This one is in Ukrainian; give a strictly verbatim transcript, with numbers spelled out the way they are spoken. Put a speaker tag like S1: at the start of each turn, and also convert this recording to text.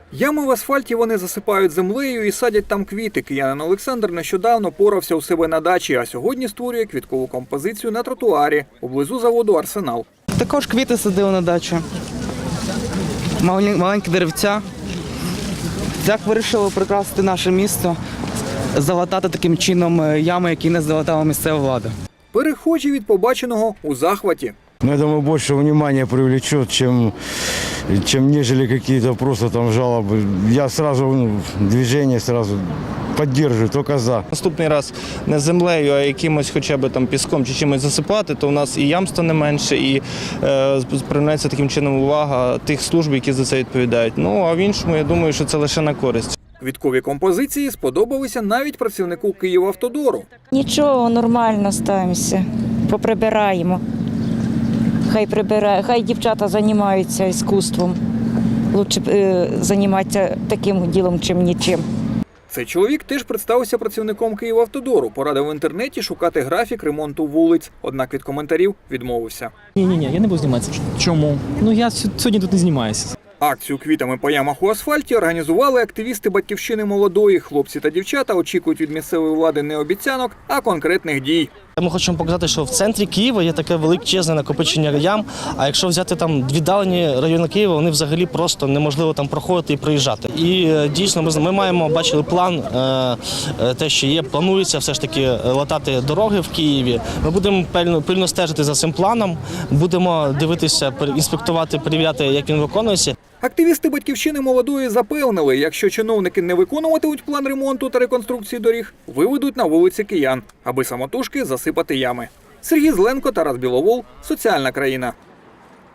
S1: Ями в асфальті вони засипають землею і садять там квіти. Киянин Олександр нещодавно порався у себе на дачі, а сьогодні створює квіткову композицію на тротуарі поблизу заводу «Арсенал».
S2: Також квіти садив на дачу. Маленькі деревця. Так вирішили прикрасити наше місто, залатати таким чином ями, які не залатала місцева влада.
S1: Перехожі від побаченого у захваті.
S3: Но я думаю, больше внимания привлечет, чем, чем нежели какие-то просто там жалобы. Я сразу, ну, движение сразу поддерживаю, только за.
S4: Наступний раз не землею, а якимось хоча б там піском чи чимось засипати, то у нас і ям стане менше, і е, привернеться таким чином увага тих служб, які за це відповідають. Ну, а в іншому, я думаю, що це лише на користь.
S1: Квіткові композиції сподобалися навіть працівнику Київавтодору.
S5: Нічого, нормально ставимося, поприбираємо. Хай прибирає, хай дівчата займаються іскусством. Лучше е, займатися таким ділом, чим нічим.
S1: Цей чоловік теж представився працівником Київавтодору, порадив в інтернеті шукати графік ремонту вулиць. Однак від коментарів відмовився.
S6: Ні-ні-ні, я не буду зніматися. Чому? Ну я сьогодні тут не знімаюся.
S1: Акцію квітами по ямах у асфальті організували активісти «Батьківщини молодої». Хлопці та дівчата очікують від місцевої влади не обіцянок, а конкретних дій.
S7: Ми хочемо показати, що в центрі Києва є таке величезне накопичення ям, а якщо взяти там віддалені райони Києва, вони взагалі просто неможливо там проходити і проїжджати. І дійсно ми, ми маємо, бачили план, те, що є, планується все ж таки латати дороги в Києві. Ми будемо пильно, пильно стежити за цим планом, будемо дивитися, інспектувати, перевіряти, як він виконується.
S1: Активісти «Батьківщини молодої» запевнили, якщо чиновники не виконуватимуть план ремонту та реконструкції доріг, виведуть на вулиці киян, аби самотужки засипати ями. Сергій Зеленко, Тарас Біловол, «Соціальна країна».